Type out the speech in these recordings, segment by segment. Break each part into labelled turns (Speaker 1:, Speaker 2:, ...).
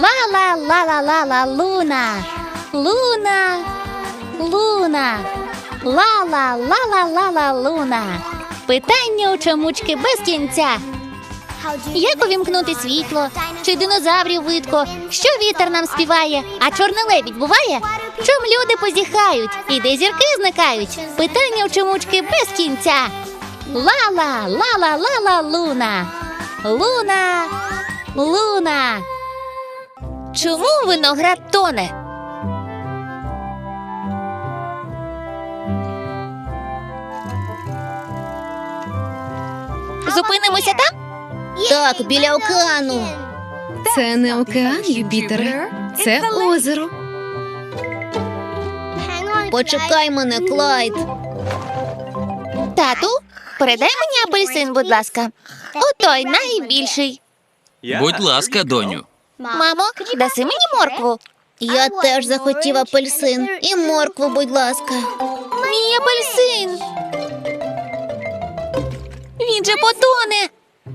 Speaker 1: Ла-ла-ла-ла-ла-ла, Луна. Луна. Луна. Ла-ла-ла-ла-ла-ла, Луна. Питання у чомучки без кінця. Як увімкнути світло? Чи динозаврів видко? Що вітер нам співає? А чорний лебідь буває? Чом люди позіхають? І де зірки зникають? Питання у чомучки без кінця. Ла-ла, ла-ла-ла-ла, Луна. Луна. Луна. Чому виноград тоне? Зупинимося там?
Speaker 2: Так, біля океану.
Speaker 3: Це не океан, Юпітере. Це озеро.
Speaker 2: Почекай мене, Клайд.
Speaker 1: Тату, передай мені апельсин, будь ласка. Отой найбільший.
Speaker 4: Будь ласка, доню.
Speaker 1: Мамо, даси мені моркву?
Speaker 2: Я теж захотів апельсин. І моркву, будь ласка.
Speaker 1: Мій апельсин. Він же потоне.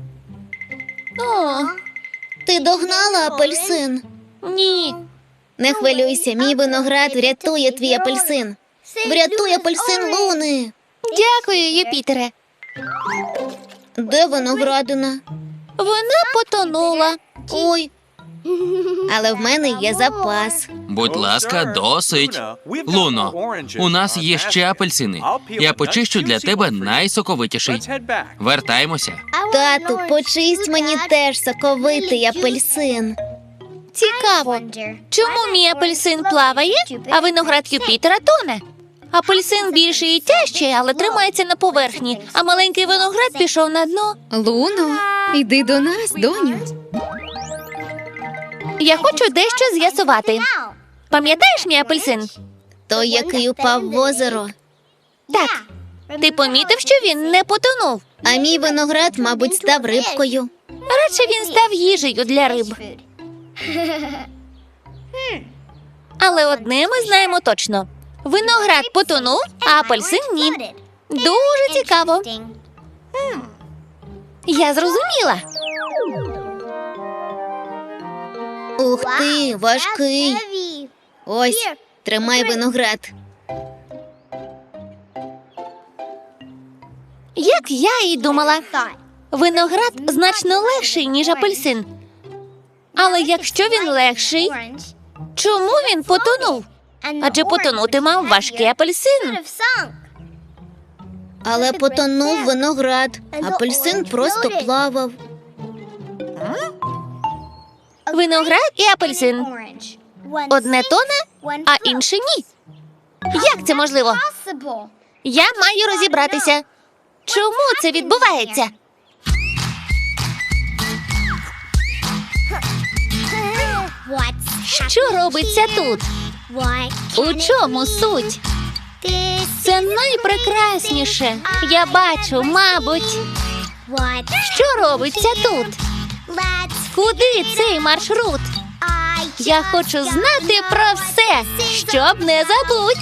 Speaker 1: О,
Speaker 2: Ти догнала апельсин?
Speaker 1: ні.
Speaker 2: Не хвилюйся, мій виноград врятує твій апельсин. Врятуй апельсин Луни.
Speaker 1: Дякую, Юпітере.
Speaker 2: Де виноградина?
Speaker 1: Вона потонула.
Speaker 2: Ой. Але в мене є запас.
Speaker 4: Будь ласка, досить. Луно, у нас є ще апельсини. Я почищу для тебе найсоковитіший. Вертаємося.
Speaker 2: Тату, почисть мені теж соковитий апельсин.
Speaker 1: Цікаво, чому мій апельсин плаває, а виноград Юпітера тоне? Апельсин більший і тяжчий, але тримається на поверхні, а маленький виноград пішов на дно.
Speaker 3: Луно, йди до нас, доню.
Speaker 1: Я хочу дещо з'ясувати. Пам'ятаєш мій апельсин?
Speaker 2: Той, який упав в озеро.
Speaker 1: Так. Ти помітив, що він не потонув?
Speaker 2: А мій виноград, мабуть, став рибкою.
Speaker 1: Радше він став їжею для риб. Але одне ми знаємо точно. Виноград потонув, а апельсин ні. Дуже цікаво. Я зрозуміла.
Speaker 2: Ух ти, важкий. Ось, тримай виноград.
Speaker 1: Як я і думала, виноград значно легший, ніж апельсин. Але якщо він легший, чому він потонув? Адже потонути мав важкий апельсин.
Speaker 2: Але потонув виноград. Апельсин просто плавав.
Speaker 1: Виноград і апельсин. Одне тоне, а інше ні. Як це можливо? Я маю розібратися. Чому це відбувається? Що робиться тут? У чому суть? Це найпрекрасніше. Я бачу, мабуть. Що робиться тут? Куди цей маршрут? Я хочу знати про все, щоб не забудь.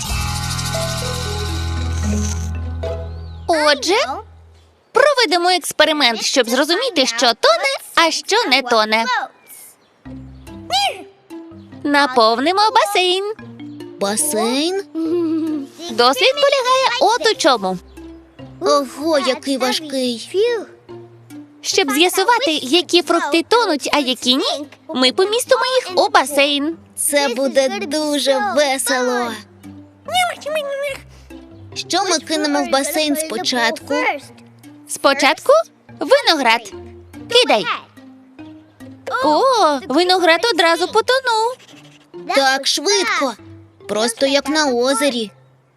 Speaker 1: Отже, проведемо експеримент, щоб зрозуміти, що тоне, а що не тоне. Наповнимо басейн.
Speaker 2: Басейн?
Speaker 1: Дослід полягає от у чому.
Speaker 2: Ого, який важкий.
Speaker 1: Щоб з'ясувати, які фрукти тонуть, а які ні, ми помістимо їх у басейн.
Speaker 2: Це буде дуже весело. Що ми кинемо в басейн спочатку?
Speaker 1: Спочатку виноград. Кидай. О, виноград одразу потонув.
Speaker 2: Так, швидко. Просто як на озері.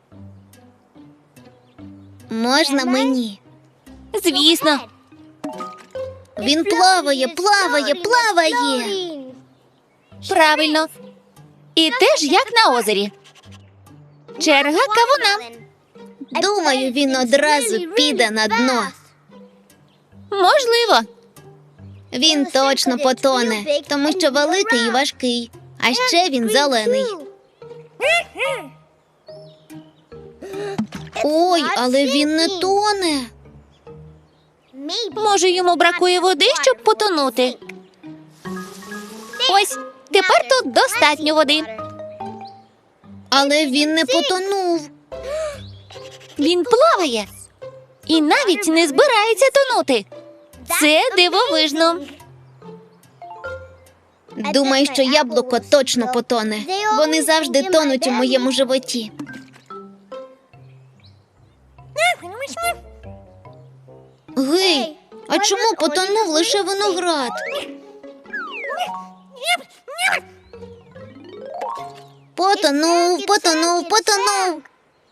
Speaker 2: Можна мені?
Speaker 1: Звісно.
Speaker 2: Він плаває, плаває, плаває.
Speaker 1: Правильно. І теж як на озері. Черга кавуна.
Speaker 2: Думаю, він одразу піде на дно.
Speaker 1: Можливо.
Speaker 2: Він точно потоне, тому що великий і важкий. А ще він зелений. Ой, але він не тоне.
Speaker 1: Може, йому бракує води, щоб потонути? Ось, Тепер тут достатньо води.
Speaker 2: Але він не потонув.
Speaker 1: Він плаває і навіть не збирається тонути. Це дивовижно.
Speaker 2: Думаю, що яблуко точно потоне. Вони завжди тонуть у моєму животі. Гей, а чому потонув лише виноград? Потонув.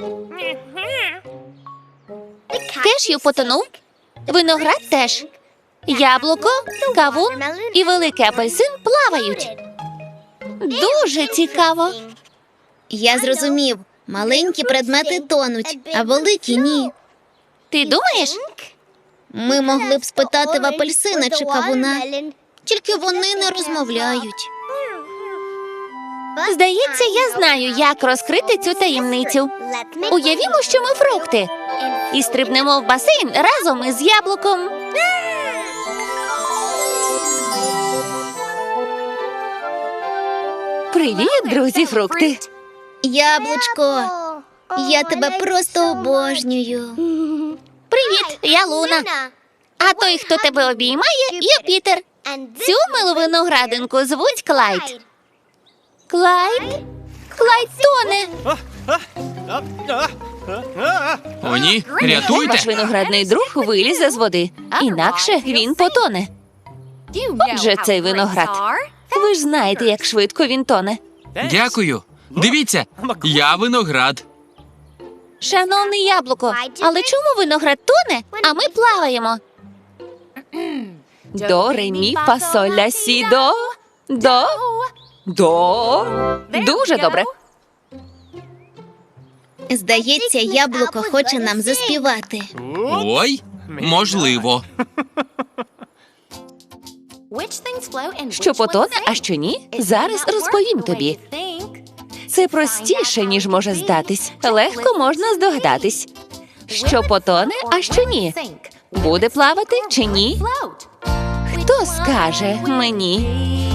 Speaker 1: Кешю потонув, виноград теж. Яблуко, кавун і великий апельсин плавають. Дуже цікаво.
Speaker 2: Я зрозумів. Маленькі предмети тонуть, а великі ні.
Speaker 1: Ти думаєш?
Speaker 2: Ми могли б спитати в апельсина чи кавуна, тільки вони не розмовляють.
Speaker 1: Здається, я знаю, як розкрити цю таємницю. Уявімо, що ми фрукти. І стрибнемо в басейн разом із яблуком. Привіт, друзі, фрукти.
Speaker 2: Яблучко, я тебе просто обожнюю.
Speaker 1: Привіт, я Луна. А той, хто тебе обіймає, Юпітер. Цю милу виноградинку звуть Клайд. Клайд? Клайд тоне.
Speaker 4: О, ні,
Speaker 1: Ваш
Speaker 4: рятуйте!
Speaker 1: виноградний друг вилізе з води. Інакше він потоне. Отже, цей виноград. Ви ж знаєте, як швидко він тоне.
Speaker 4: Дякую. Дивіться, я виноград.
Speaker 1: Шановний яблуко, але чому виноград тоне, а ми плаваємо? До, ре, мі, фа, соль, ля, сі, до. Дуже добре.
Speaker 2: Здається, яблуко хоче нам заспівати.
Speaker 4: Ой, можливо.
Speaker 1: Що потоне, а що ні, зараз розповім тобі. Це простіше, ніж може здатись. Легко можна здогадатись. Що потоне, а що ні. Буде плавати чи ні? Хто скаже мені?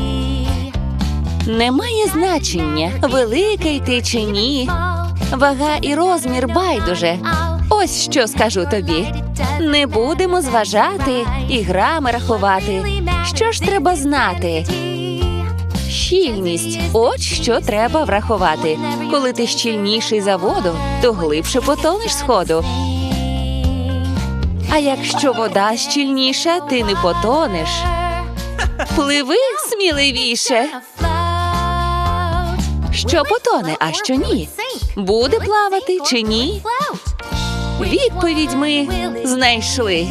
Speaker 1: Немає значення, великий ти чи ні. Вага і розмір байдуже. Ось що скажу тобі. Не будемо зважати і грами рахувати. Що ж треба знати? Щільність. От що треба врахувати. Коли ти щільніший за воду, то глибше потонеш сходу. А якщо вода щільніша, ти не потонеш. Пливи сміливіше. Що потоне, а що ні? Буде плавати чи ні? Відповідь ми знайшли.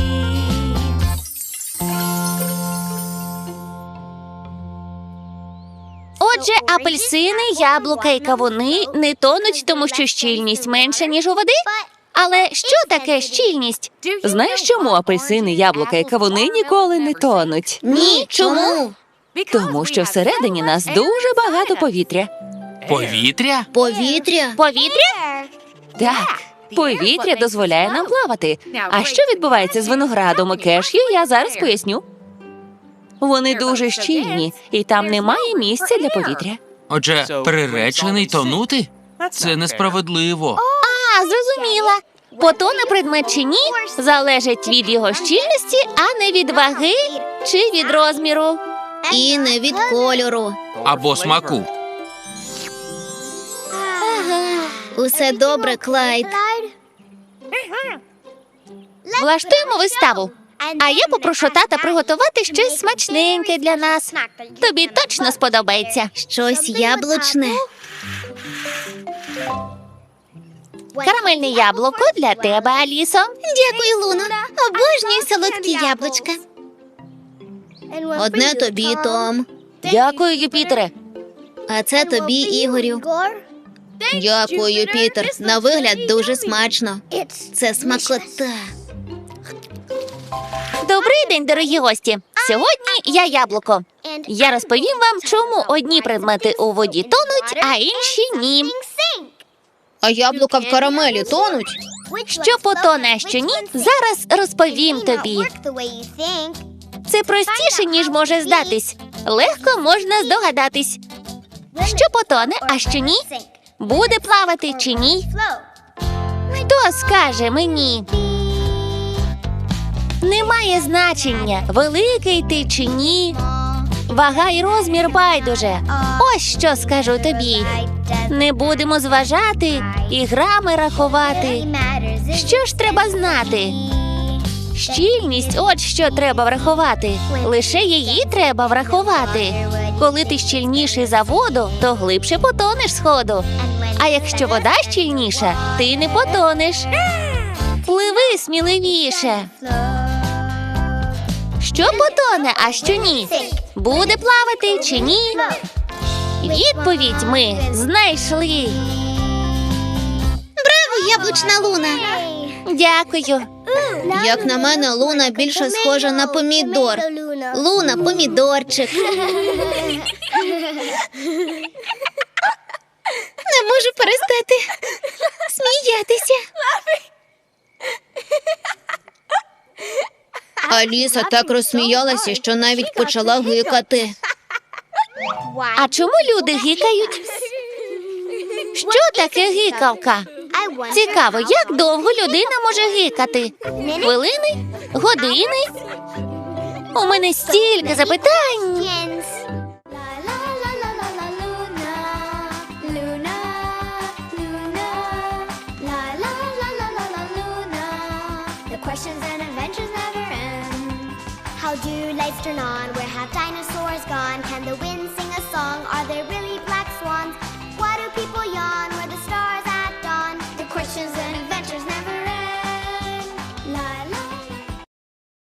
Speaker 1: Отже, апельсини, яблука і кавуни не тонуть, тому що щільність менша, ніж у води? Але що таке щільність? Знаєш, чому апельсини, яблука і кавуни ніколи не тонуть?
Speaker 2: Ні, чому?
Speaker 1: Тому що всередині нас дуже багато повітря.
Speaker 4: Повітря?
Speaker 2: Повітря?
Speaker 1: Повітря? Так. Повітря дозволяє нам плавати. А що відбувається з виноградом і кешю, я зараз поясню. Вони дуже щільні, і там немає місця для повітря.
Speaker 4: Отже, приречений тонути? Це несправедливо.
Speaker 1: А, зрозуміла. Потоне предмет чи ні, залежить від його щільності, а не від ваги чи від розміру.
Speaker 2: І не від кольору.
Speaker 4: Або смаку.
Speaker 2: Усе добре, Клайд.
Speaker 1: Влаштуємо виставу. А я попрошу тата приготувати щось смачненьке для нас. Тобі точно сподобається.
Speaker 2: Щось яблучне.
Speaker 1: Карамельне яблуко для тебе, Алісо.
Speaker 2: Дякую, Луно. Обожнюю солодкі яблучка. Одне тобі, Том.
Speaker 1: Дякую, Юпітере.
Speaker 2: А це тобі, Ігорю. Дякую, Пітер. На вигляд дуже смачно. Це смакота.
Speaker 1: Добрий день, дорогі гості. Сьогодні я яблуко. Я розповім вам, чому одні предмети у воді тонуть, а інші ні.
Speaker 2: А яблука в карамелі тонуть?
Speaker 1: Що потоне, а що ні, зараз розповім тобі. Це простіше, ніж може здатись. Легко можна здогадатись. Що потоне, а що ні? Буде плавати чи ні? Хто скаже мені? Немає значення, великий ти чи ні. Вага й розмір байдуже. Ось що скажу тобі. Не будемо зважати і грами рахувати. Що ж треба знати? Щільність – от що треба врахувати. Лише її треба врахувати. Коли ти щільніший за воду, то глибше потонеш сходу. А якщо вода щільніша, ти не потонеш. Пливи сміливіше. Що потоне, а що ні? Буде плавати чи ні? Відповідь ми знайшли.
Speaker 2: Браво, яблучна Луна!
Speaker 1: Дякую.
Speaker 2: Як на мене, Луна більше схожа на помідор. Луна – помідорчик. Не можу перестати сміятися. Аліса так розсміялася, що навіть почала гикати.
Speaker 1: А чому люди гикають? Що таке гикавка? Цікаво, як довго людина може гикати? Хвилини? Години? У мене стільки запитань.
Speaker 5: Questions and adventures never end. How do lights turn on? Where have dinosaurs gone? Can the wind sing a song? Are there really black swans? Why do people yawn? Where the stars at dawn? The questions and adventures